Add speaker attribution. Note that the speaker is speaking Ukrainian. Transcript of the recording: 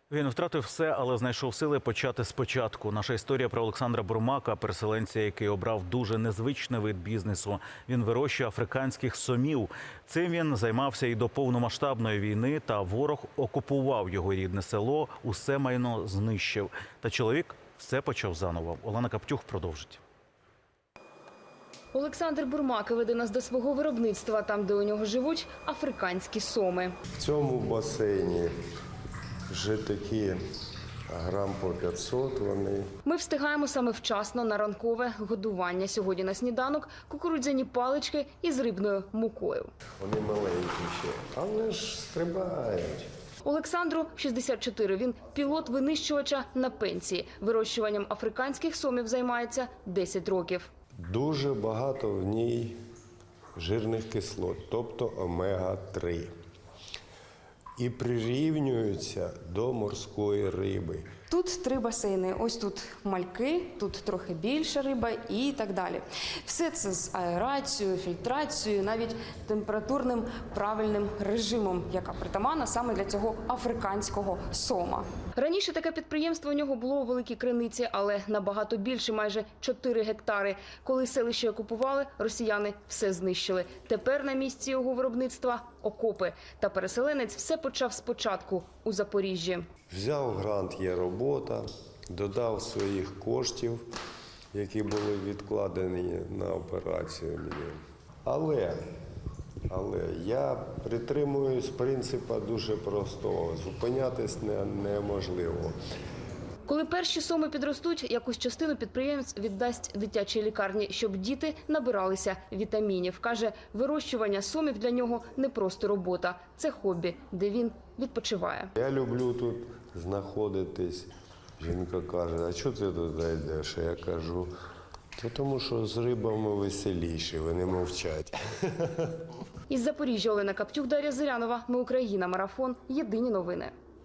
Speaker 1: Він втратив все, але знайшов сили почати спочатку. Наша історія про Олександра Бурмака, переселенця, який обрав дуже незвичний вид бізнесу. Він вирощує африканських сомів. Цим він займався і до повномасштабної війни, та ворог окупував його рідне село, усе майно знищив. Та чоловік все почав заново. Олена Каптюх продовжить.
Speaker 2: Олександр Бурмак веде нас до свого виробництва, там, де у нього живуть африканські соми.
Speaker 3: В цьому басейні вже такі грам по 500 вони.
Speaker 2: Ми встигаємо саме вчасно на ранкове годування. Сьогодні на сніданок кукурудзяні палички із рибною мукою.
Speaker 3: Вони маленькі ще, але ж стрибають.
Speaker 2: Олександру 64. Він пілот винищувача на пенсії. Вирощуванням африканських сомів займається 10 років.
Speaker 3: Дуже багато в ній жирних кислот, тобто омега-3. І прирівнюються до морської риби.
Speaker 4: Тут 3 басейни. Ось тут мальки, тут трохи більша риба і так далі. Все це з аерацією, фільтрацією, навіть температурним правильним режимом, яка притаманна саме для цього африканського сома.
Speaker 2: Раніше таке підприємство у нього було у Великій Криниці, але набагато більше, майже 4 гектари. Коли селище окупували, росіяни все знищили. Тепер на місці його виробництва – окопи. Та переселенець все почав спочатку у Запоріжжі.
Speaker 3: Взяв грант «Є робота», додав своїх коштів, які були відкладені на операцію мені. Але я притримуюсь принципу дуже простого – зупинятись неможливо.
Speaker 2: Коли перші соми підростуть, якусь частину підприємець віддасть дитячій лікарні, щоб діти набиралися вітамінів. Каже, вирощування сомів для нього не просто робота, це хобі, де він відпочиває.
Speaker 3: Я люблю тут знаходитись. Жінка каже, а чого ти туди йдеш? А я кажу, тому що з рибами веселіше, вони мовчать.
Speaker 2: Із Запоріжжя Олена Каптюх, Дар'я Зирянова. Ми Україна. Марафон. Єдині новини.